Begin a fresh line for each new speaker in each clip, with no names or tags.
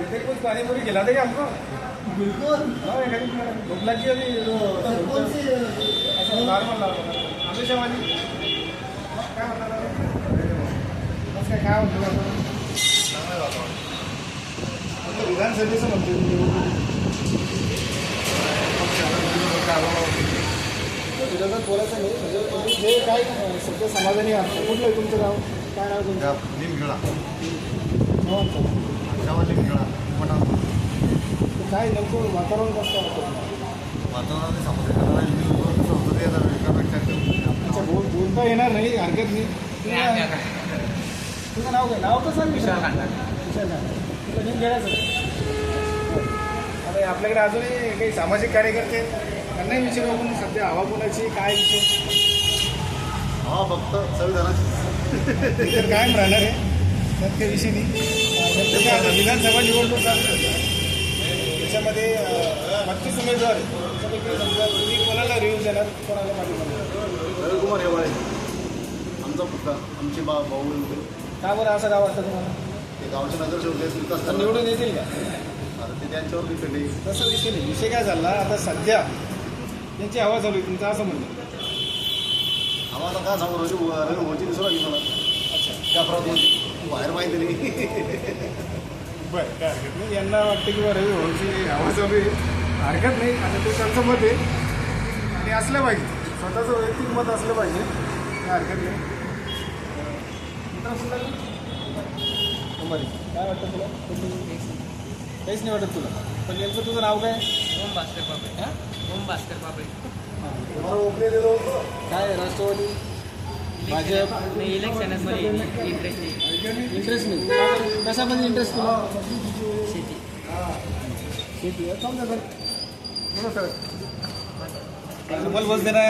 कुछ पानी पूरी खिला देगा हमको।
बिल्कुल।
भूख लगी अभी
कौन सी
नॉर्मल हमेशा वाली काय म्हणतात बस काय होतं विधानसभेचं म्हणतो विरोधात बोलायचं नाही म्हणजे तुम्ही जे काय सध्या समाधानी आहात कुठलं आहे तुमचं गाव काय नाव तुमचं
निमखेडा
हो
निमखेडा मोठा
काय नेमकं वातावरण कसं वाटतं
वातावरणाने समजते
अच्छा बोलता येणार नाही हरकत नाही तुझं नाव काय नाव कसं विशाल तुला घेऊन घ्यायचं आता आपल्याकडे अजूनही काही सामाजिक कार्यकर्ते त्यांनाही विषय बघून सध्या हवा कोणाची काय विषय
हा फक्त संविधानाची
तर कायम राहणार आहे त्यात काही विषय नाही आता विधानसभा निवडणूक चालू आहे. त्याच्यामध्ये 32 उमेदवार आहेत. त्याच्यापैकी समजा तुम्ही कोणाला रिव्ह्यू देणार कोणाला पाठिंबा
रविकुमार हेवाळे आमचा पुतळा आमचे भाऊ होते
का बरं असं गाव वाटतं तुम्हाला
ते गावचे नगरसेवक आहेत विकास
तर निवडून येतील का
आता ते त्यांच्यावर डिपेंड आहे.
तसं विषय नाही विषय काय झाला आता सध्या त्यांची हवा चालू आहे तुमचं असं म्हणणं
आम्हाला काय सांगू रवी होची दिसू लागली मला
अच्छा
त्या प्रॉब्लेम बाहेर माहिती नाही
बरं काय हरकत नाही यांना वाटतं की रवी भाऊची हवा चालू आहे हरकत नाही आता ते त्यांचं मत आहे आणि असलं पाहिजे स्वतःचं वैयक्तिक मत असलं पाहिजे काय हरकत नाही काय वाटतं तुला काहीच नाही वाटत तुला पण नेमकं तुझं नाव काय
ओम भास्कर पापळे
हां
ओम भास्कर पापळे
काय राष्ट्रवादी भाजप
नाही इलेक्शनमध्ये इंटरेस्ट नाही
इंटरेस्ट नाही कशामध्ये इंटरेस्ट तुला
शेती
शेती समजा सर बोला सर तुम्हाला बस देना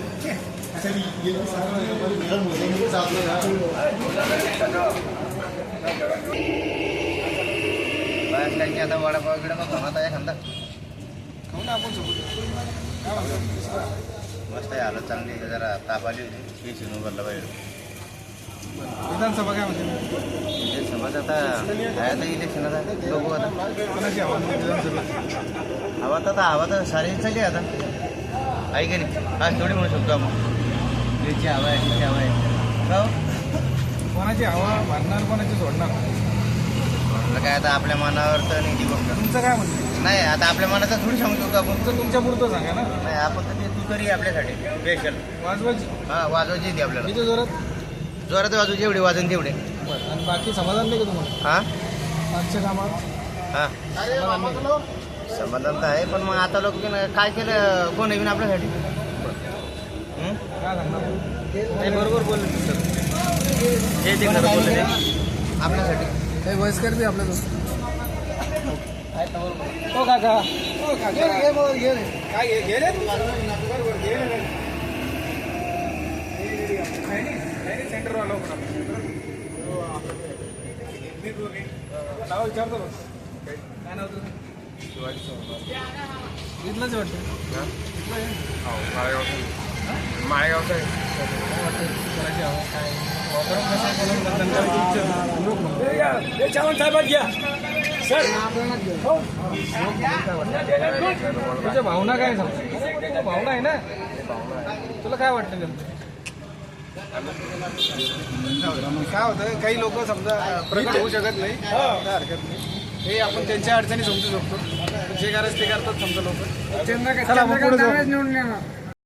बाहेर आता वडापाव गिडापाव खाणार आहे खांदा
खाऊ ना आपण सोबत काय म्हणतो
मस्त आहे हालत चांगली आहे. जरा ताप आली होती हे शिनू भरला पाहिजे
विधानसभा काय म्हणते
म्हणजे समज आता आहे आता इलेक्शन आता बघू आता
कोणाची हवा विधानसभेत
हवा तर सारी चालली आता आहे की नाही आज थोडी म्हणू शकतो आपण याची हवा आहे तिची हवा आहे का हो?
कोणाची हवा भरणार कोणाची सोडणार
म्हटलं काय आता आपल्या मनावर तर नाही ती गोष्ट
तुमचं काय म्हणणं
नाही आता आपल्या मनाचं थोडी सांगू शकतो आपण
तुमचं तुमच्या पुरतं सांगा ना
नाही आपण तर ते तू तरी आपल्यासाठी स्पेशल
वाजवायची
हां वाजवायची येते आपल्याला
किती जोरात
जोरात वाजू जेवढे वाजन तेवढे
बरं आणि बाकी समाधान नाही का तुम्हाला
हां
आजच्या कामात
हां
समाधान नाही.
समाधान तर आहे पण मग आता लोक काय केलं कोण येईन आपल्यासाठी हं?
काय सांगणार
ते बरोबर बोलले सर हे ते खरं बोलले ते आपल्यासाठी
काही वयस्कर बी आपल्या हो काका हो काका काय घे रे तू बरोबर घे रे सेंटर वाला नाव विचारतो बघ काय नाव तुझं शिवाजी चौहान इथलंच वाटतं
माळेगावचं आहे
कोणाची हवा काय वातावरण कसं चावण साहेबात घ्या सर तुझ्या भावना काय सांग भावना आहे ना तुला काय वाटतं नेमकं काय होतं काही लोक समजा प्रगत होऊ शकत नाही काय हरकत नाही हे आपण त्यांच्या अडचणी समजू शकतो जे करायचं ते करतात समजा लोक चला आपण पुढे जाऊ.